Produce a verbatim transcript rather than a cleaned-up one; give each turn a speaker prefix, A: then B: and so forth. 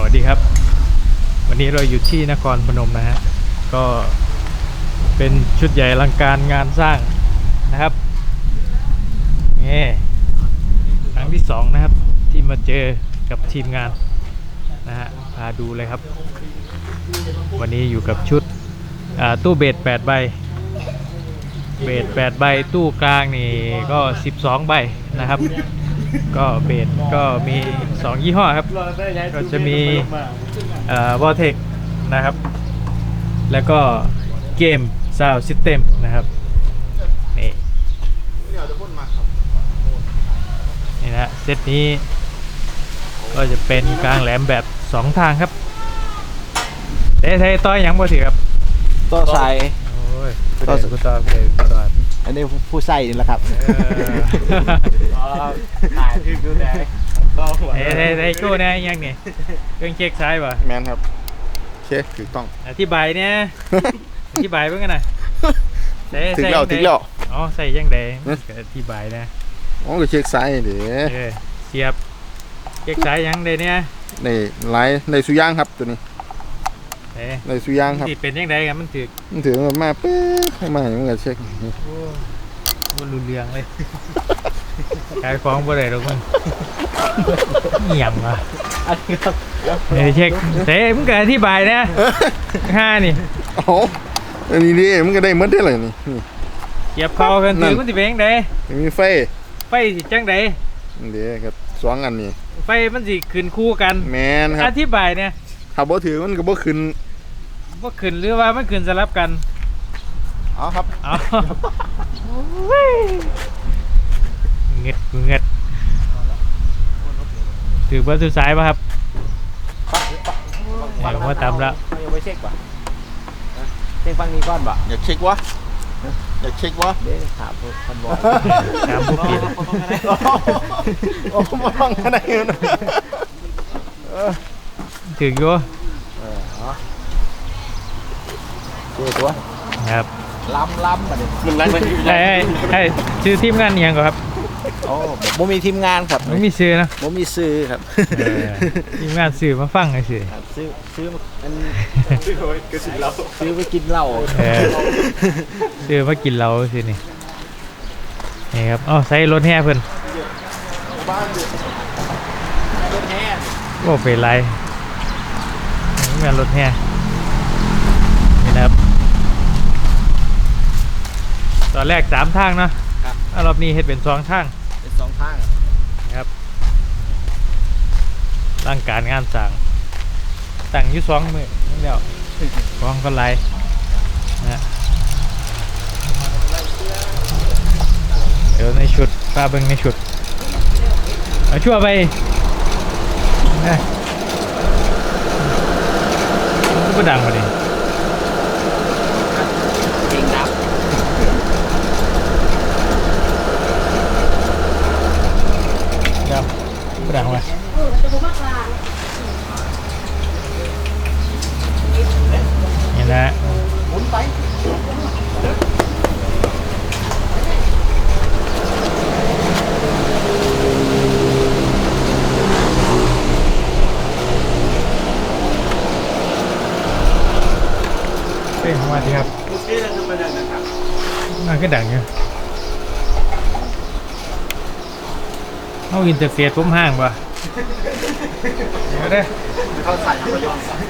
A: วัสดีครับวันนี้เราอยู่ที่นครพนมนะฮะก็เป็นชุดใหญ่อลังการงานสร้างนะครับนี่ครั้งที่สองนะครับที่มาเจอกับทีมงานนะฮะพาดูเลยครับวันนี้อยู่กับชุดตู้เบสแปดใบเบสแปดใบตู้กลางนี่ก็สิบสองใบนะครับก็เบสก็มีสองยี่ห้อครับก็จะมีเอ่อ Vortex นะครับแล้วก็เกม Sound System นะครับนี่นี่นะเซตนี้ก็จะเป็นกลางแหลมแบบสองทางครับเต้เต้ต้อยยังบ่ถือครับ
B: ต่อใส่
A: โอ้ยต่อสุดต่อเลยต่อ
B: อันนี้ผู้ใส่นี่แหละครับ
A: ถ่ายคือดูแดงเฮ้ยเฮ้ยเฮ้ยกูเนี่ยยังไงเครื่องเช็คซ้ายป่ะ
B: แมนครับเช็คถูกต้อง
A: อธิบายเนี่ยอธิบายเพื่อนกันนะ
B: ถึงแล้วถึงแล้ว
A: อ๋อใส่ยังไงอธิบายนะ
B: อ๋อก็เช็คซ้ายเดี๋ยว
A: เสียบเช็คซ้ายยังเลยเนี่ย
B: ในไลน์ในสุย่างครับตัวนี้ในสุย่างครับ
A: เป็นยังไงกันมันถือ
B: มันถือมาเป๊ะให้มาอย่างเงี้ยเช็ค
A: มันรุนแรงเลยขายของบ่ได้หรอกมึงเงียบว่ะเฮ้ยเช็คเต้มึงก็อธิบายนะห้านี่
B: โอ้อันนี้ดิมึงก็ได้หมดได้เลยนี่
A: เก็บเข้ากันถือมันสิเป็นยังไง
B: มีไฟ
A: ไฟสิจังได
B: เดี๋ยวกับสองอันนี้
A: ไฟมันสิขึ้นคู่กัน
B: แมนครับ
A: อธิบายเนี่ย
B: ถ้าบ่ถือมันก็บ่ขึ้น
A: บ่ขึ้นหรือว่ามันขึ้นสลับกัน
B: อ๋อครับ
A: อ๋อเงียดเงียดถือเบอร์สุดท้ายป่ะครับเดี๋ยวมาตามแล้ว
B: ยังไม่เช็คป่ะเช็คฟังนี้ก่อนป่ะอยากเช็ควะอยากเช็ควะเดี๋ยวถามคนบอก
A: ถามผู้เปลี่ยน
B: โอ้มาฟังกันได้เงิน
A: ถืออยู่
B: เออฮะเจ้าตัว
A: ครับ
B: ล้ำล้ำมาดิมันล้ำไป
A: ไอ้ไอ้ชื่อทีมงานยังก่อนครับ
B: โอ้ผมมีทีมงานครับ
A: ไม่มีซื้อนะ
B: ผมมีซื้อครับ
A: ทีมงานซื้อมาฟังไอ้ซื้อ
B: ซื้อซื้อมันซื้อไปกินเหล้าซื้อไปกินเหล้า
A: ซื้อมากินเหล้าสินี่นี่ครับอ๋อใส่รถแห่เพิ่น
B: รถแห่
A: โอ้เป็นไรงานรถแห่นี่นะครับตอนแรกสามทางเนาะรอบนี้เห็ดเป็นสองทาง
B: เป็นสองทาง
A: นะครับร่างการงานสั่งตั้งอยู่สองมือนี่เดียวกองก็ไล่นะเดี๋ยวในชุดปลาเบิ้งในชุดเอาชั่วไปนะก็ดังมาดิ
B: จริงครับ
A: กระดังเลยนี่นะ
B: หมุนไป
A: เฮ้ยมาดีครับน่าก็ดังอยู่เอาอินเทอร์เฟซผมห่างป่ะเดี๋ยวเด้
B: เขาใส่